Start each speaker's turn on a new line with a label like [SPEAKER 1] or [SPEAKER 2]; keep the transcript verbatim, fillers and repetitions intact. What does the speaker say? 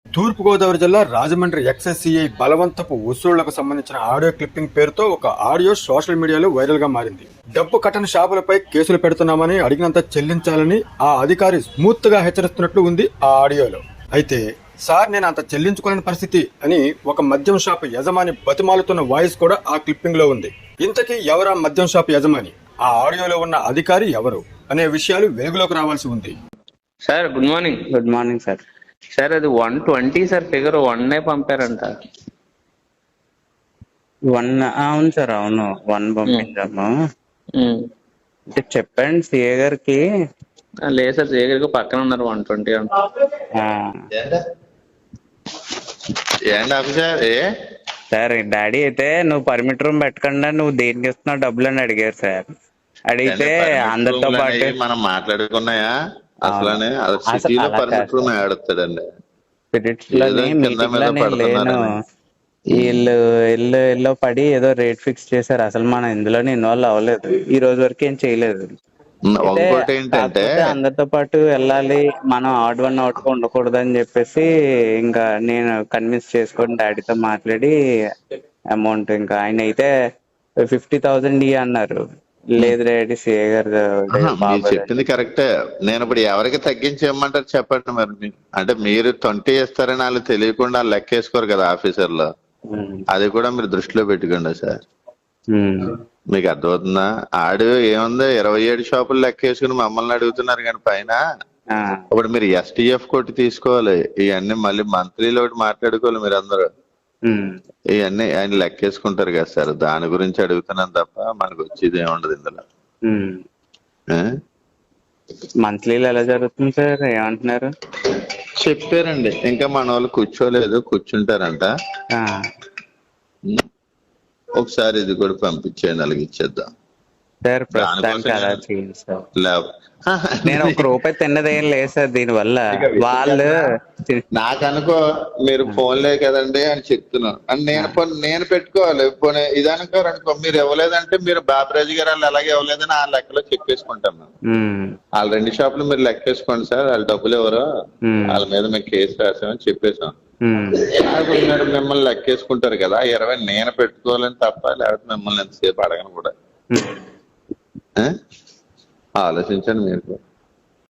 [SPEAKER 1] తూర్పుగోదావరి జిల్లా రాజమండ్రి ఎక్సైసీఐ బలవంతపు వసూళ్లకు సంబంధించిన ఆడియో క్లిప్పింగ్ పేరుతో ఒక ఆడియో సోషల్ మీడియాలో వైరల్ గా మారింది. డబ్బు కట్టని షాపులపై కేసులు పెడుతున్నామని, అడిగినంత చెల్లించాలని ఆ అధికారి స్మూత్ గా హెచ్చరిస్తున్నట్లు ఉంది ఆ ఆడియోలో. అయితే సార్, నేను అంత చెల్లించుకోలేని పరిస్థితి అని ఒక మద్యం షాపు యజమాని బతిమాలుతున్న వాయిస్ కూడా ఆ క్లిప్పింగ్ లో ఉంది. ఇంతకీ ఎవరా మద్యం షాపు యజమాని, ఆ ఆడియోలో ఉన్న అధికారి ఎవరు అనే విషయాలు వెలుగులోకి రావాల్సి ఉంది.
[SPEAKER 2] Sir good morning.
[SPEAKER 3] Good morning sir.
[SPEAKER 2] Sir అది one twenty sir, figure one పంపారంట.
[SPEAKER 3] వన్ అవును సార్, అవును వన్ పంపించాము. అంటే చెప్పండి సిఏ గారికి.
[SPEAKER 2] లేదు సార్, జయగారికి పక్కన ఉన్నారు వన్ ట్వంటీ అంట.
[SPEAKER 3] సార్ డాడీ అయితే నువ్వు పర్మిట్ రూమ్ పెట్టకుండా నువ్వు దేనికి ఇస్తున్నావు డబ్బులు అని అడిగారు సార్. అడిగితే అందరితో పాటు
[SPEAKER 4] మనం మాట్లాడుకున్నాయా అసలు ఆడుతాడండి.
[SPEAKER 3] స్పిరిట్స్ లోని మీటింగ్ లోని లేను, వీళ్ళు ఇల్లు ఇల్లు పడి ఏదో రేట్ ఫిక్స్ చేశారు. అసలు మనం ఇందులోనే ఇన్వాల్వ్ అవ్వలేదు, ఈ రోజు వరకు ఏం చేయలేదు.
[SPEAKER 4] ఏంటంటే
[SPEAKER 3] అందరితో పాటు వెళ్ళాలి, మనం ఆడ్ వన్ అవుట్ గా ఉండకూడదు అని చెప్పేసి ఇంకా నేను కన్విన్స్ చేసుకొని డాడీతో మాట్లాడి అమౌంట్, ఇంకా ఆయన అయితే ఫిఫ్టీ థౌసండ్ ఇ అన్నారు. లేదు డాడీ సిఏ గారు
[SPEAKER 4] చెప్పింది కరెక్టే. నేను ఇప్పుడు ఎవరికి తగ్గించి ఇవ్వమంటారు చెప్పండి మరి. అంటే మీరు ట్వంటీ ఇస్తారని వాళ్ళు తెలియకుండా వాళ్ళు లెక్క వేసుకోరు కదా ఆఫీసర్లు. అది కూడా మీరు దృష్టిలో పెట్టుకోండి సార్. మీకు అర్థమవుతుందా? ఆడు ఏముంది, ఇరవై ఏడు షాపులు లెక్క వేసుకుని మమ్మల్ని అడుగుతున్నారు కానీ పైన. ఇప్పుడు మీరు ఎస్టీఎఫ్ కొట్టి తీసుకోవాలి, ఇవన్నీ మళ్ళీ మంత్లీలో ఒకటి మాట్లాడుకోవాలి మీరు అందరూ. ఇవన్నీ ఆయన లెక్కేసుకుంటారు కదా సార్, దాని గురించి అడుగుతున్నాను తప్ప మనకు వచ్చేది ఏముండదు ఇందులో.
[SPEAKER 3] మంత్లీలో ఎలా జరుగుతుంది సార్, ఏమంటున్నారు?
[SPEAKER 4] చెప్పారండి, ఇంకా మన వాళ్ళు కూర్చోలేదు, కూర్చుంటారంట. ఒకసారి ఇది కూడా పంపించేయండి, అలాగే ఇచ్చేద్దాం
[SPEAKER 3] సార్. ప్రస్తుతానికి అలా చేయండి సార్. నేను ఒక రూపాయి తిన్నదేం లేదు సార్ దీని వల్ల. వాళ్ళు
[SPEAKER 4] నాకు అనుకో మీరు ఫోన్లే కదండి అని చెప్తున్నాను అని నేను నేను పెట్టుకోవాలి. పోనీ ఇది అనుకోరు అనుకో, మీరు ఇవ్వలేదంటే మీరు బాబరాజు గారు వాళ్ళు అలాగే ఇవ్వలేదని ఆ లెక్కలో చెప్పేసుకుంటాం మేము. వాళ్ళ రెండు షాపులు మీరు లెక్కేసుకోండి సార్, వాళ్ళ డబ్బులు ఎవరో వాళ్ళ మీద మేము కేసు రాసామని చెప్పేసాం. అప్పుడు మీరు మిమ్మల్ని లెక్కేసుకుంటారు కదా, ఇరవై నేను పెట్టుకోవాలని తప్ప, లేకపోతే మిమ్మల్ని ఎంతసేపు అడగను కూడా. ఆలోచించండి మీరు.